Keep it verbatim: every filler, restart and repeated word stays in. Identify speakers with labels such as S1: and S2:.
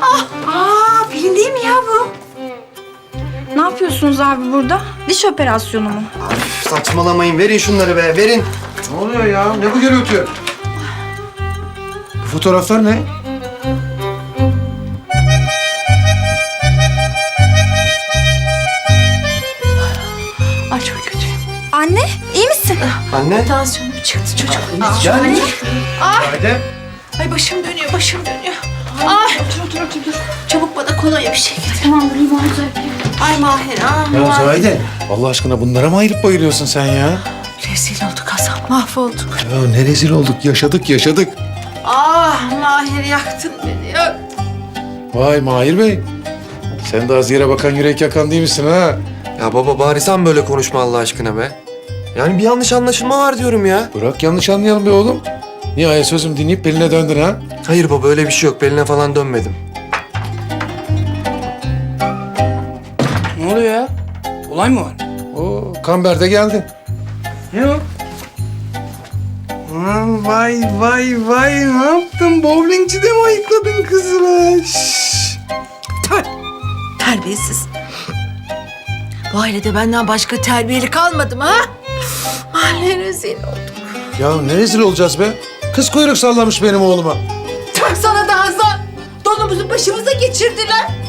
S1: Aa, Pelin değil mi ya bu?
S2: Ne yapıyorsunuz abi burada? Diş operasyonu mu?
S3: Üf, saçmalamayın. Verin şunları be. Verin.
S4: Ne oluyor ya? Ne bu gürültü? Bu fotoğraflar ne?
S1: Ay çok kötü.
S2: Anne, iyi misin?
S3: Anne.
S1: Tansiyonum çıktı çocuk.
S4: Gel. Haydi.
S1: Ay başım dönüyor, başım dönüyor. Ay. Otur, otur, otur. Dur. Çabuk bana kolonya bir şey getir.
S2: Tamam, dur Mahir.
S1: Ay Mahir, ah
S4: Ya
S1: Mahir.
S4: Zahide, Allah aşkına bunlara mı ayırıp bayılıyorsun sen ya?
S1: Rezil olduk Hasan, mahvolduk.
S4: Ya ne rezil olduk, yaşadık yaşadık.
S1: Ah Mahir, yaktın beni ya.
S4: Vay Mahir Bey. Sen de az yere bakan yürek yakan değil misin ha?
S3: Ya baba bari sen böyle konuşma Allah aşkına be. Yani bir yanlış anlaşılma var diyorum ya.
S4: Bırak yanlış anlayalım be oğlum. Nihayet sözüm dinleyip Pelin'e döndün ha?
S3: Hayır baba öyle bir şey yok. Pelin'e falan dönmedim.
S5: Ne oluyor ya? Olay mı var?
S4: Oo, Kamber de geldi.
S5: Ne o? Aman vay vay vay ne yaptın? Bowlingçide mi ayıkladın kızını? Şşş.
S1: Tüh, terbiyesiz. Bu ailede benden başka terbiyeli kalmadı mı ha? Mahalle rezil olduk.
S4: Ya ne rezil olacağız be? Kız kuyruk sallamış benim oğluma.
S1: Tüh sana da Hasan. Donumuzu başımıza geçirdiler.